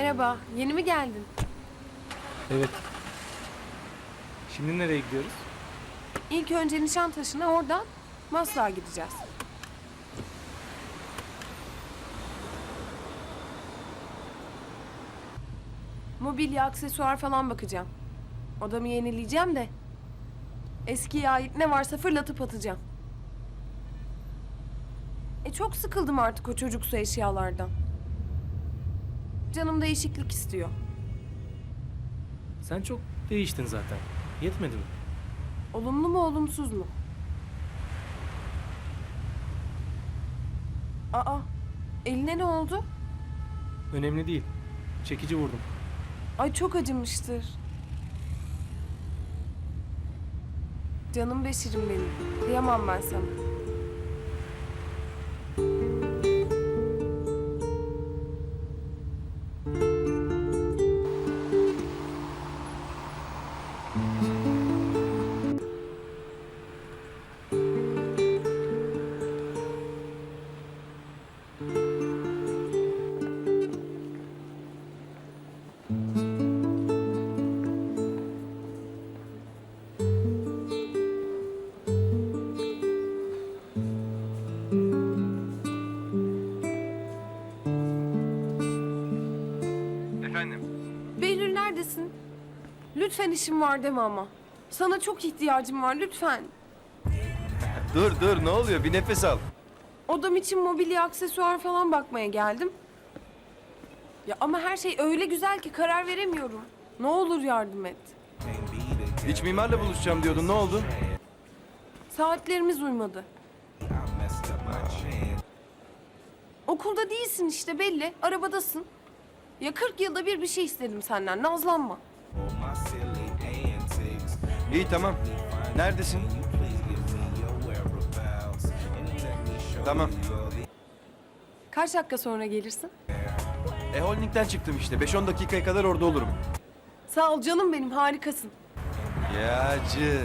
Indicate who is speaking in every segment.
Speaker 1: Merhaba, yeni mi geldin?
Speaker 2: Evet. Şimdi nereye gidiyoruz?
Speaker 1: İlk önce Nişantaşı'na, oradan Maslak'a gideceğiz. Mobilya, aksesuar falan bakacağım. Odamı yenileyeceğim de. Eskiye ait ne varsa fırlatıp atacağım. Çok sıkıldım artık o çocuksu eşyalardan. Canım değişiklik istiyor.
Speaker 2: Sen çok değiştin zaten. Yetmedi mi?
Speaker 1: Olumlu mu, olumsuz mu? Aa, eline ne oldu?
Speaker 2: Önemli değil. Çekici vurdum.
Speaker 1: Ay çok acımıştır. Canım Beşir'im benim. Kıyamam ben sana.
Speaker 3: Efendim?
Speaker 1: Behlül neredesin? Lütfen işim var deme ama. Sana çok ihtiyacım var lütfen.
Speaker 3: Dur ne oluyor? Bir nefes al.
Speaker 1: Odam için mobilya, aksesuar falan bakmaya geldim. Ya ama her şey öyle güzel ki karar veremiyorum. Ne olur yardım et.
Speaker 3: İç mimarla buluşacağım diyordun. Ne oldu?
Speaker 1: Saatlerimiz uymadı. Okulda değilsin işte belli. Arabadasın. Ya 40 yılda bir şey istedim senden. Nazlanma.
Speaker 3: İyi tamam. Neredesin? Tamam.
Speaker 1: Kaç dakika sonra gelirsin?
Speaker 3: Holding'den çıktım işte. 5-10 dakikaya kadar orada olurum.
Speaker 1: Sağ ol canım benim, harikasın.
Speaker 3: Yağcı.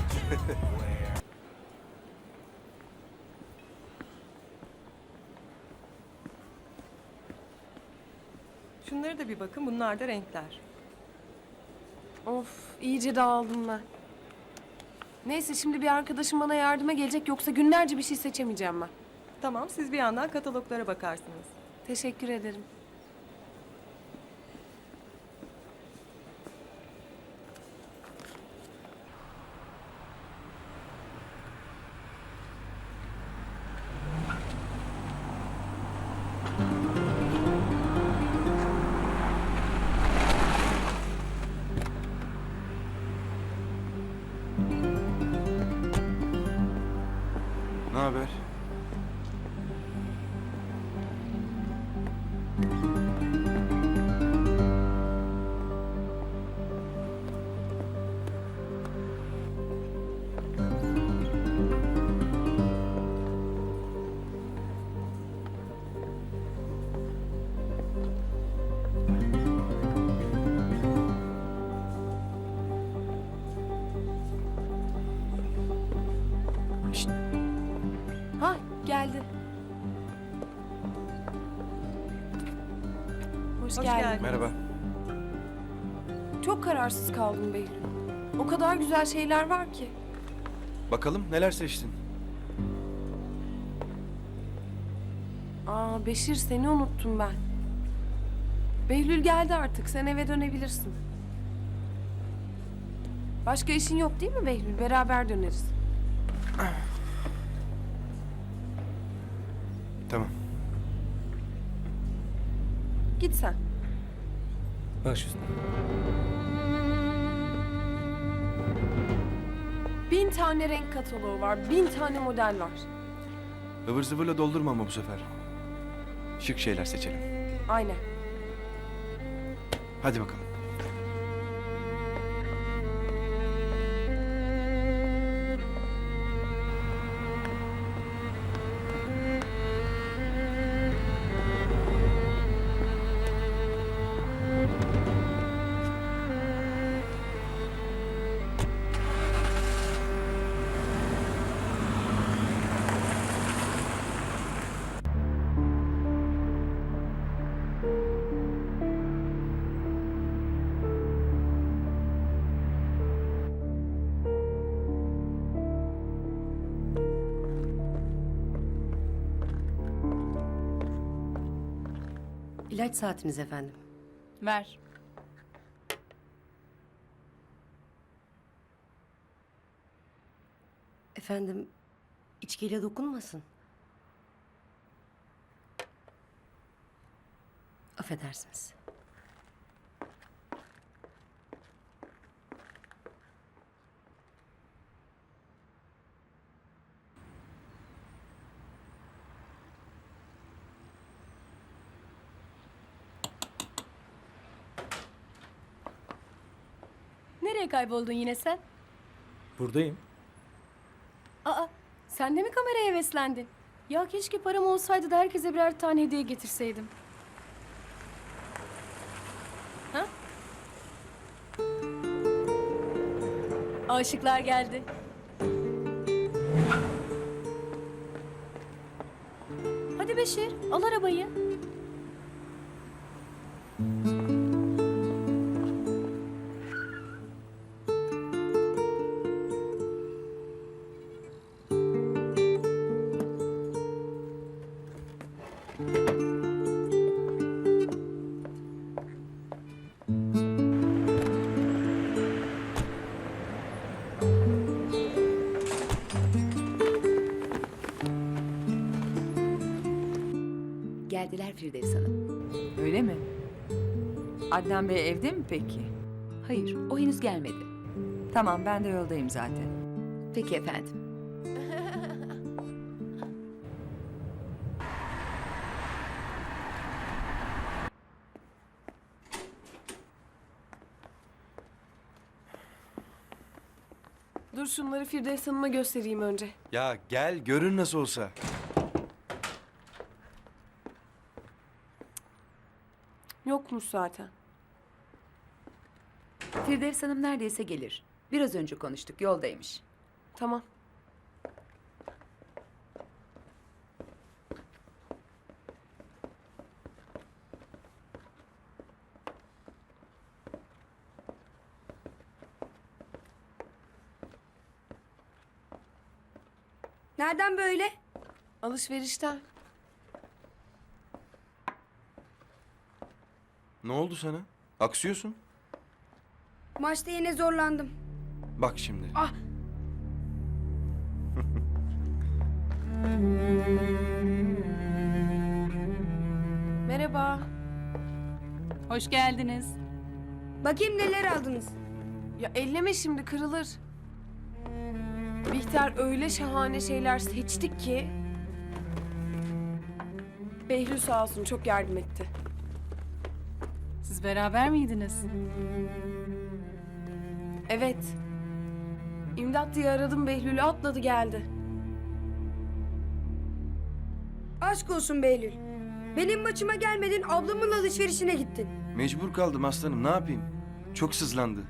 Speaker 4: Şunlara da bir bakın, bunlar da renkler.
Speaker 1: Of, iyice dağıldım ben. Neyse şimdi bir arkadaşım bana yardıma gelecek, yoksa günlerce bir şey seçemeyeceğim ben.
Speaker 4: Tamam, siz bir yandan kataloglara bakarsınız.
Speaker 1: Teşekkür ederim.
Speaker 3: Ne haber? Şşt,
Speaker 1: Ha, geldi. Hoş
Speaker 4: Hoş
Speaker 1: geldin.
Speaker 4: geldin.
Speaker 3: merhaba.
Speaker 1: Çok kararsız kaldım Behlül. O kadar güzel şeyler var ki.
Speaker 3: Bakalım neler seçtin?
Speaker 1: Aa Beşir, seni unuttum ben. Behlül geldi artık, sen eve dönebilirsin. Başka işin yok değil mi Behlül? Beraber döneriz.
Speaker 3: Tamam.
Speaker 1: Git sen.
Speaker 2: Baş üstüne.
Speaker 1: 1000 tane renk kataloğu var, 1000 tane model var.
Speaker 3: Ivır zıvırla doldurma ama bu sefer. Şık şeyler seçelim.
Speaker 1: Aynen.
Speaker 3: Hadi bakalım.
Speaker 5: İlaç saatiniz efendim.
Speaker 6: Ver.
Speaker 5: Efendim, içkiyle dokunmasın. Affedersiniz.
Speaker 6: Nereye kayboldun yine sen?
Speaker 2: Buradayım.
Speaker 6: Aa, sen de mi kameraya heveslendin? Ya keşke param olsaydı da herkese birer tane hediye getirseydim. Ha? Aşıklar geldi. Hadi Beşir, al arabayı.
Speaker 7: Geldiler Firdevs Hanım.
Speaker 8: Öyle mi? Adnan Bey evde mi peki?
Speaker 7: Hayır, o henüz gelmedi.
Speaker 8: Tamam, ben de yoldayım zaten.
Speaker 7: Peki efendim.
Speaker 1: Dur şunları Firdevs Hanım'a göstereyim önce.
Speaker 3: Ya gel görün nasıl olsa.
Speaker 1: Yokmuş zaten.
Speaker 7: Firdevs Hanım neredeyse gelir. Biraz önce konuştuk, yoldaymış.
Speaker 1: Tamam.
Speaker 9: Nereden böyle?
Speaker 1: Alışverişten.
Speaker 3: Ne oldu sana? Aksıyorsun.
Speaker 9: Maçta yine zorlandım.
Speaker 3: Bak şimdi.
Speaker 9: Ah!
Speaker 1: Merhaba.
Speaker 6: Hoş geldiniz.
Speaker 9: Bakayım neler aldınız.
Speaker 1: Ya elleme şimdi kırılır. Bihter öyle şahane şeyler seçtik ki. Behlül sağ olsun çok yardım etti.
Speaker 6: Siz beraber miydiniz?
Speaker 1: Evet. İmdat diye aradım Behlül'ü atladı geldi.
Speaker 9: Aşk olsun Behlül. Benim maçıma gelmedin, ablamın alışverişine gittin.
Speaker 3: Mecbur kaldım aslanım, ne yapayım? Çok sızlandı.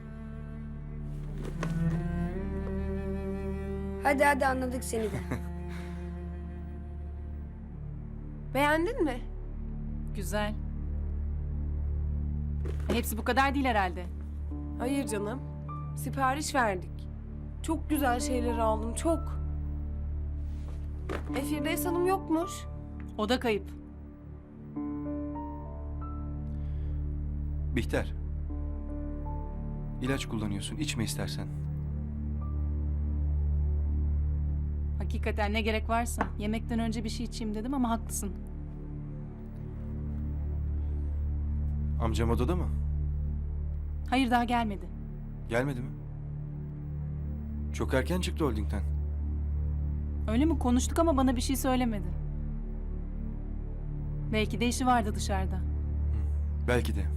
Speaker 9: Hadi hadi anladık seni de.
Speaker 1: Beğendin mi?
Speaker 6: Güzel. Hepsi bu kadar değil herhalde.
Speaker 1: Hayır canım. Sipariş verdik. Çok güzel şeyler aldım, çok. Firdevs Hanım yokmuş.
Speaker 6: O da kayıp.
Speaker 3: Bihter. İlaç kullanıyorsun, içme istersen.
Speaker 6: Hakikaten ne gerek varsa. Yemekten önce bir şey içeyim dedim ama haklısın.
Speaker 3: Amcam odada mı?
Speaker 6: Hayır, daha gelmedi.
Speaker 3: Gelmedi mi? Çok erken çıktı holdingden.
Speaker 6: Öyle mi? Konuştuk ama bana bir şey söylemedi. Belki de işi vardı dışarıda.
Speaker 3: Belki de.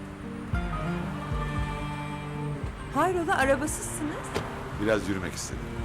Speaker 8: Hayrola, arabasızsınız?
Speaker 10: Biraz yürümek istedim.